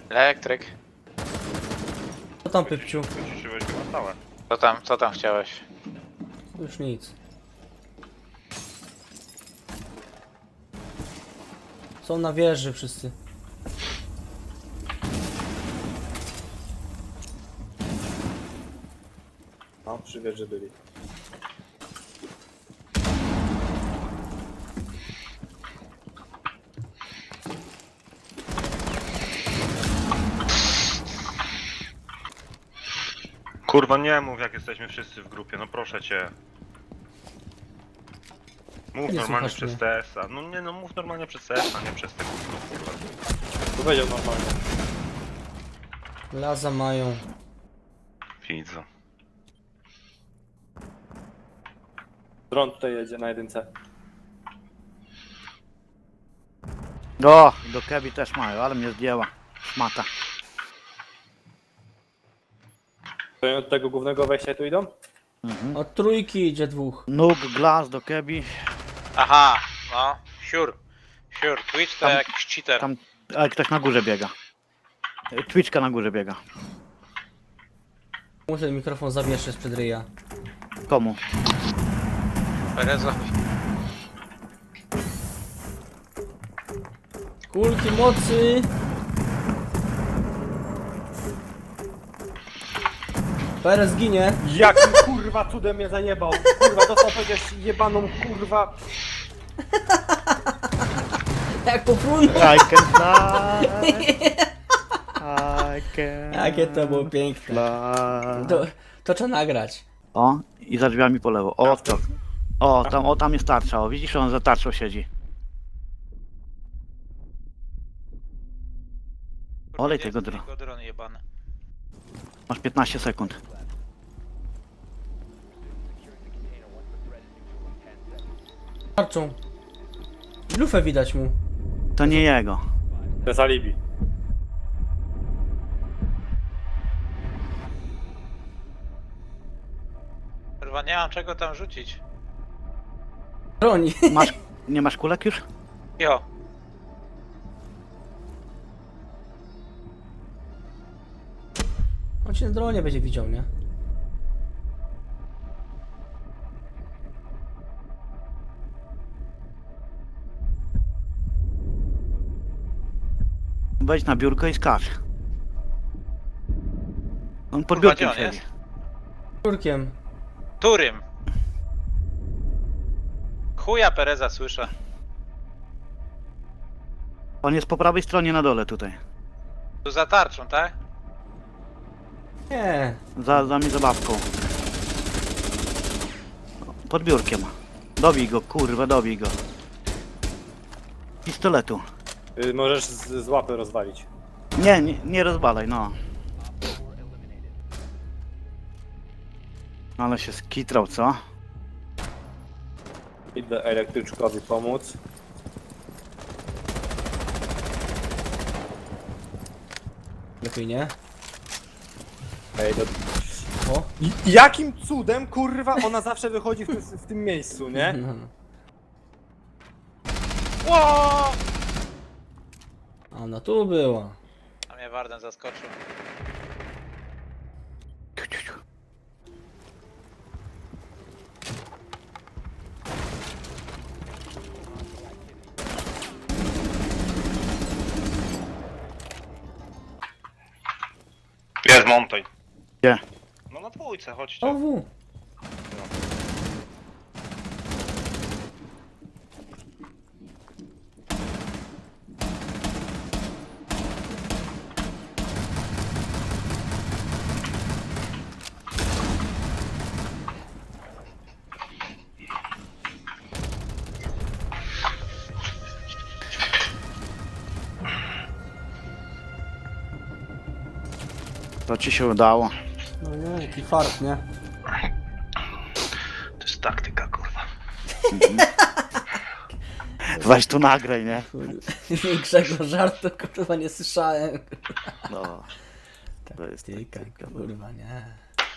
Elektryk. Co tam, Pypciu? Wyciszyłeś go na stałe. Co tam chciałeś? Już nic. Są na wieży wszyscy. No, przy wieży byli. Kurwa, nie mów jak jesteśmy wszyscy w grupie, no proszę cię. Mów Nie normalnie słuchasz przez mnie. TS-a. No nie no, mów normalnie przez TS-a, nie przez tego kurwa. Powiedział normalnie. Laza mają. Widzę. Dron tutaj jedzie na jedynce. O, do Kebi też mają, ale mnie zdjęła. Szmata. To od tego głównego wejścia tu idą? Od trójki idzie dwóch. Nóg, Glass do Kebi. Aha, no. Sure. Twitch to Tam- jakiś cheater. Tam, ale ktoś na górze biega. Twitchka na górze biega. Muszę ten mikrofon zawieszyć przed ryja. Komu? Perezowi. Kulki mocy! Perez ginie. Jakim kurwa cudem mnie zajebał? Kurwa, dostał przecież jebaną kurwa. Jak popłynął. I can fly. I can Jakie to było piękne. fly. To trzeba nagrać. O, i za drzwiami po lewo. O, to. O, tam jest tarcza. O, widzisz, on za tarczą siedzi. Olej tego dron jebany. Masz 15 sekund. Tarczą. Lufę widać mu. To nie jego. To jest alibi. Kurwa, nie mam czego tam rzucić. Broni. Nie masz kulek już? Jo. On się na dronie będzie widział, nie? Wejdź na biurko i skacz. On pod Kurwa, biurkiem gdzie on siedzi. Turkiem. Którym? Chuja Pereza słyszę. On jest po prawej stronie na dole tutaj. Tu za tarczą, tak? Nie. Za mi zabawką. Pod biurkiem. Dobij go, kurwa, dobij go. Pistoletu. Możesz z łapy rozwalić. Nie rozbalaj, no. Ale się skitrał, co? Idę elektryczkowi pomóc. Lepiej nie. Ej, do... O. Jakim cudem kurwa ona zawsze wychodzi w tym miejscu, nie? No. Ło! A ona tu była. A mnie Warden zaskoczył. Ciu, ciu, ciu. Jest montaj. Gdzie? No na dwójce, chodźcie. OW. To ci się udało. No nie, jaki fart, nie? To jest taktyka, kurwa. Weź tu nagraj, nie? Większego żartu kurwa nie słyszałem. No. To jest Tyka, taktyka. kurwa, nie.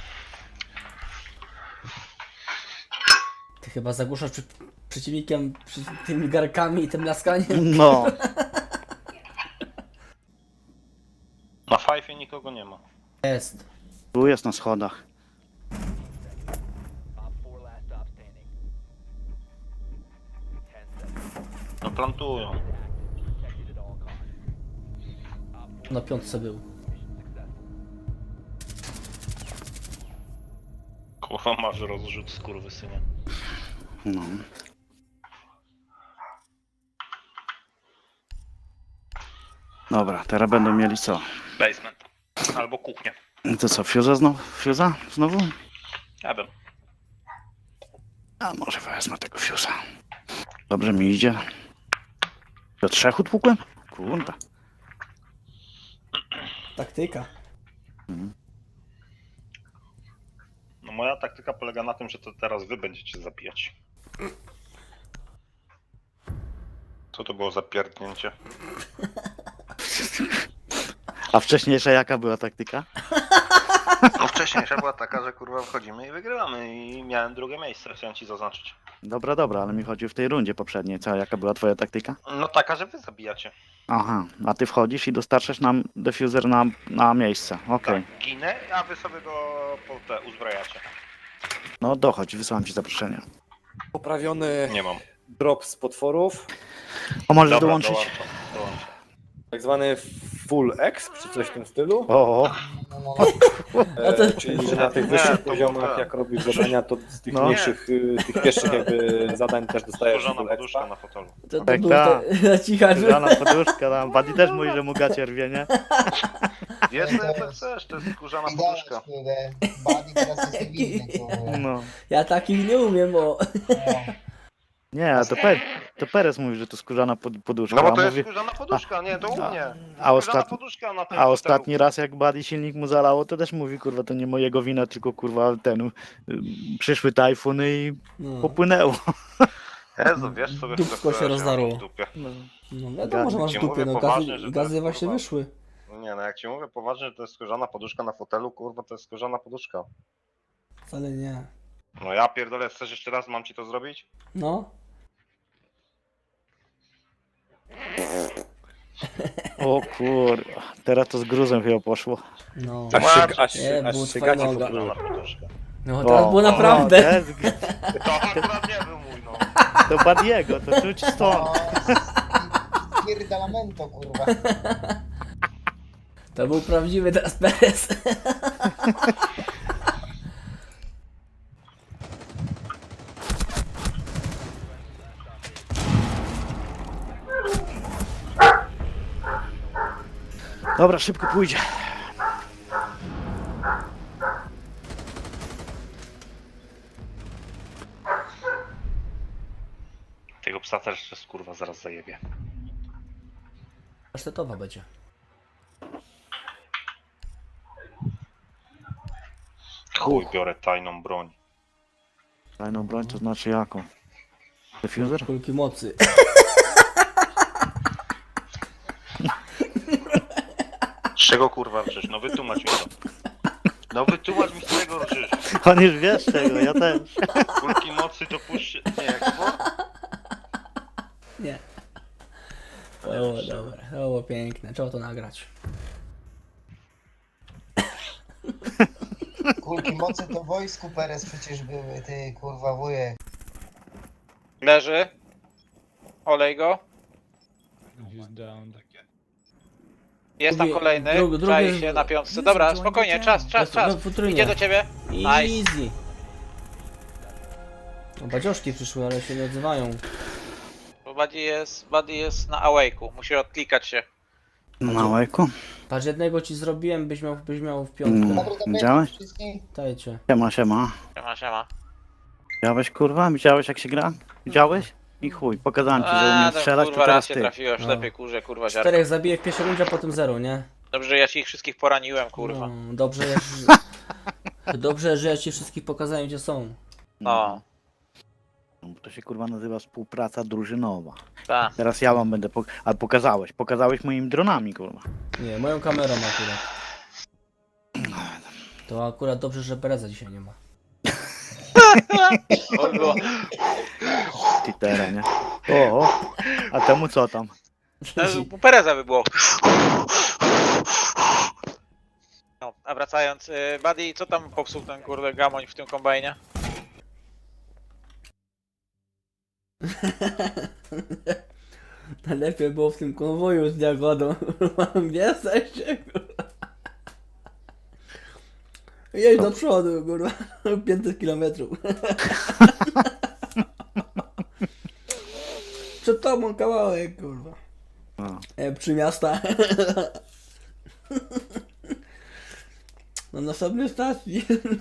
Ty chyba zagłuszasz przeciwnikiem tymi garkami i tym laskaniem. No. Fajfie nikogo nie ma. Jest. Tu jest na schodach. No plantują. Na piątce był. Kurwa masz rozrzut, skurwysynie. No. Dobra, teraz będą mieli co? Basement. Albo kuchnię. To co, Fuse'a znowu? Fuse'a? Znowu? Ja bym. A może wezmę tego Fuse'a. Dobrze mi idzie. Do 3 utłukłem? Kurwa. Taktyka. No moja taktyka polega na tym, że to teraz wy będziecie zabijać. Co to było za pierdnięcie? A wcześniejsza jaka była taktyka? No wcześniejsza była taka, że kurwa wchodzimy i wygrywamy i miałem drugie miejsce, chciałem ci zaznaczyć. Dobra, ale mi chodzi w tej rundzie poprzedniej. Co, jaka była twoja taktyka? No taka, że wy zabijacie. Aha, a ty wchodzisz i dostarczasz nam defuser na miejsce. Okej. Tak, ginę, a wy sobie go uzbrajacie. No dochodź, wysyłam ci zaproszenie. Poprawiony Nie mam. drop z potworów, O, możesz Dobra, dołączyć? dołączam. tak zwany full exp, czy coś w tym stylu. O, Czyli że na tych Nie, wyższych to poziomach, tak. jak robisz zadania, to z tych No. mniejszych, tych pierwszych jakby zadań też dostajesz Skórzana full poduszka expa. na fotelu. To Tak, był tak. na cichaczu. Żana poduszka tam. Buddy też mówi, że mu gacie rwie, nie? Wiesz co chcesz, to jest skórzana poduszka. Kurde, Buddy teraz jest niewinny, kurde. No. Ja takich nie umiem, bo... Nie, to Perez mówi, że to skórzana poduszka. No bo to a jest mówi, skórzana poduszka, nie, to u mnie. a Skórzana ostatni- poduszka na tym a fotelu. ostatni raz jak Buddy silnik mu zalało, to też mówi, kurwa, to nie mojego wina, tylko kurwa przyszły tajfuny i No, popłynęło. Jezu, wiesz sobie Dupsko się rozdarło. w dupie. no wiadomo, że masz Ci dupy, mówię no poważnie, że to gazy jest, właśnie kurwa, wyszły. Nie no, jak ci mówię poważnie, że to jest skórzana poduszka na fotelu, kurwa, to jest skórzana poduszka. Wcale nie. No ja pierdolę, chcesz jeszcze raz, mam ci to zrobić? No. O kurwa, teraz to z gruzem chyba poszło. No. Nie, Aż było się twoja gaci noga. Skórzana poduszka. No teraz było naprawdę. To akurat nie był mój, no. To Buddiego, to czuć stąd. No, pierdalamento, kurwa. To był prawdziwy teraz Perez. Dobra, szybko pójdzie. Tego psa też kurwa zaraz zajebie. Pasztetowa będzie. Chuj, biorę tajną broń. Tajną broń to znaczy jaką? Defuser? Kulki mocy. Z czego kurwa rżysz? No wytłumacz mi to. No wytłumacz mi z czego rżysz. On już wiesz czego, ja też. Kulki mocy to puść... Nie, jak to było? Nie. To było dobre, to było piękne. Trzeba to nagrać. Kulki mocy to w wojsku Perez przecież były, ty kurwa wujek. Leży. Olej go. Jest tam Drugi- kolejny. drugi- Czai drugi- się na piątce. Dobra, spokojnie, czas. No, futrynie. Idzie do ciebie. Nice. Easy. No, badzioszki przyszły, ale się nie odzywają. Bo Buddy jest na awake'u. Musi odklikać się. Na łajku? Patrz, jednego ci zrobiłem, byś miał w piątkę. Mm. Dobry, dobry, Widziałeś? wszystkim. Dajcie. Siema. Siema. Widziałeś kurwa? Widziałeś jak się gra? Widziałeś? I chuj, pokazałem ci, że umiem tam, strzelać, to kurwa, raz teraz się ty. trafiłem w No. ślepej kurze, kurwa ziarno. 4 zabiję w pierwszej rundzie, a potem 0, nie? Dobrze, że ja ci ich wszystkich poraniłem, kurwa. No, dobrze, że ja ci wszystkich pokazałem, gdzie są. No, To się kurwa nazywa współpraca drużynowa. tak. Teraz ja wam będę ale pokazałeś moimi dronami kurwa. Nie, moją kamerą akurat. To akurat dobrze, że Pereza dzisiaj nie ma. To było. Titera, nie? O, a temu co tam? U Pereza by było. wracając, Buddy, co tam popsuł ten kurde gamoń w tym kombajnie? Najlepiej było w tym konwoju z Jagodą. Gdzie jesteście, kurwa? Jedź do przodu, kurwa. 500 kilometrów. Przed tobą kawałek, kurwa. No. Przy miasta. Na następnej stacji.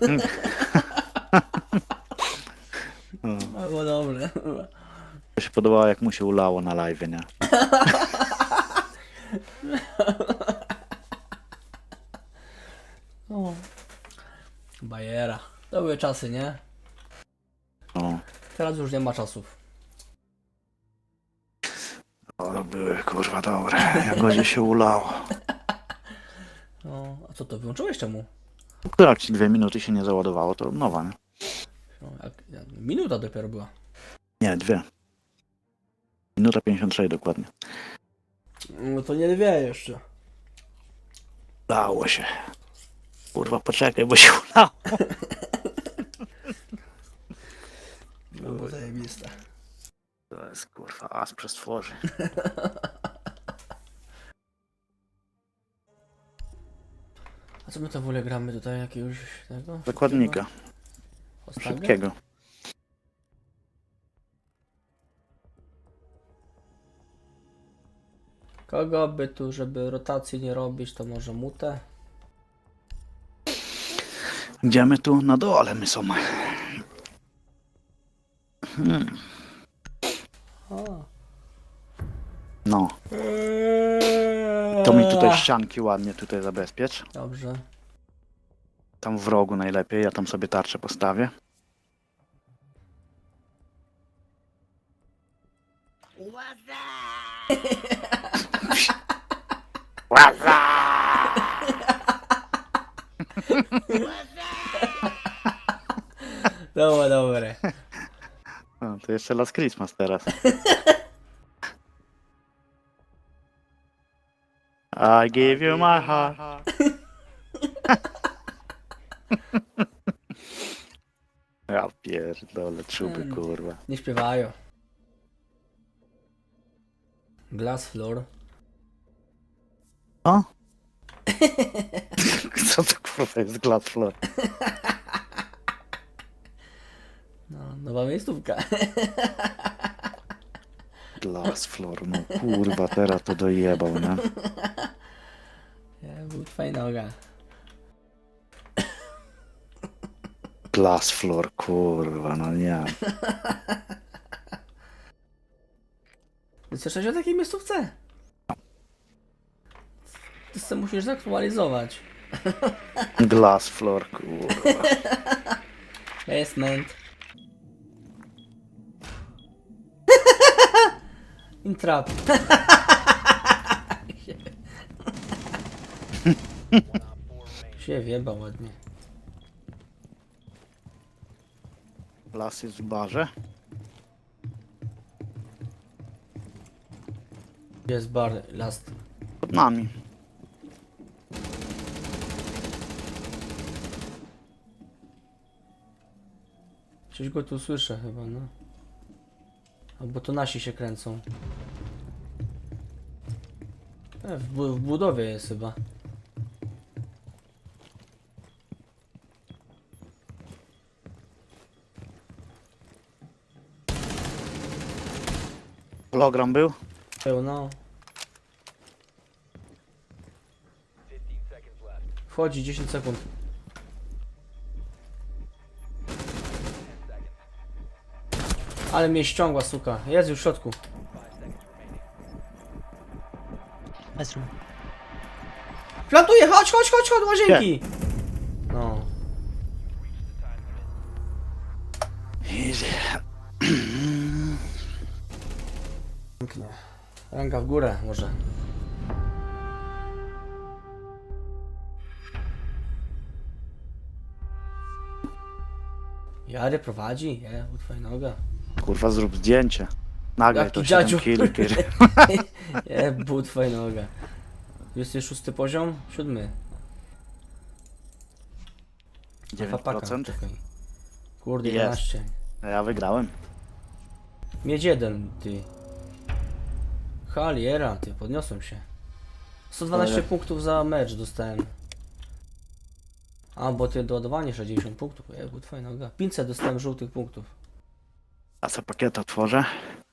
Było dobre. To się podobało, jak mu się ulało na live, nie? O. Bajera. To były czasy, nie? No. Teraz już nie ma czasów. O, były kurwa dobre. Jak godzie się ulało. No, a co to wyłączyłeś czemu? Jak ci 2 minuty się nie załadowało, to nowa, nie? No, minuta dopiero była. Nie, 2. Minuta 56 dokładnie. No to nie wie jeszcze. Dało się. Kurwa, poczekaj, bo się ulało. Było zajebiste. To jest kurwa as przez tworzy. A co my to w ogóle gramy tutaj? Jakiegoś tego? Zakładnika. Ostagę? Szybkiego. Kogo by tu, żeby rotacji nie robić, to może mutę? Gdzie my tu? Na dole my są. O. No. To mi tutaj ścianki ładnie tutaj zabezpiecz. Dobrze. Tam w rogu najlepiej, ja tam sobie tarczę postawię. Dobre, dobre. No, to jeszcze Last Christmas teraz. I give you my heart. Ja pierdolę, czuby kurwa. Nie śpiewają. Glass floor. O? Co to kurwa jest glass floor? No, nowa miejscówka. Glass floor, no kurwa, teraz to dojebał, nie? Nie, był twoja noga. Glass floor, kurwa, no nie. Słyszałeś o takiej miejscówce? Ty sobie musisz zaktualizować. Glass floor, kurwa. Basement. Intrap. się wieba ładnie. Las jest w barze. Gdzie jest bar last? Pod nami. Coś go tu słyszę chyba, no. Albo to nasi się kręcą. W budowie jest chyba. Hologram był? Pełno. Wchodzi 10 sekund. Ale mnie ściągła, suka. Jest już w środku. Plantuję, chodź, chodź, chodź, chodź, łazienki! No. Easy. Pięknie. Ręka w górę może. Jary prowadzi? Nie, utwaj noga. Kurwa, zrób zdjęcie. Nagraj Jaki to 7 dziadziu. kili, kiedy... Nie, but twoja noga. 26 poziom? 7. Fapaka, 9%. czekaj. Kurde, Jest. 11. Ja wygrałem. Miedź 1, ty. Haliera, ty, podniosłem się. 112 Ale- punktów za mecz dostałem. A, bo ty doładowanie 60 punktów. Jebut, twoja noga. 500 dostałem żółtych punktów. A co pakiet otworzę?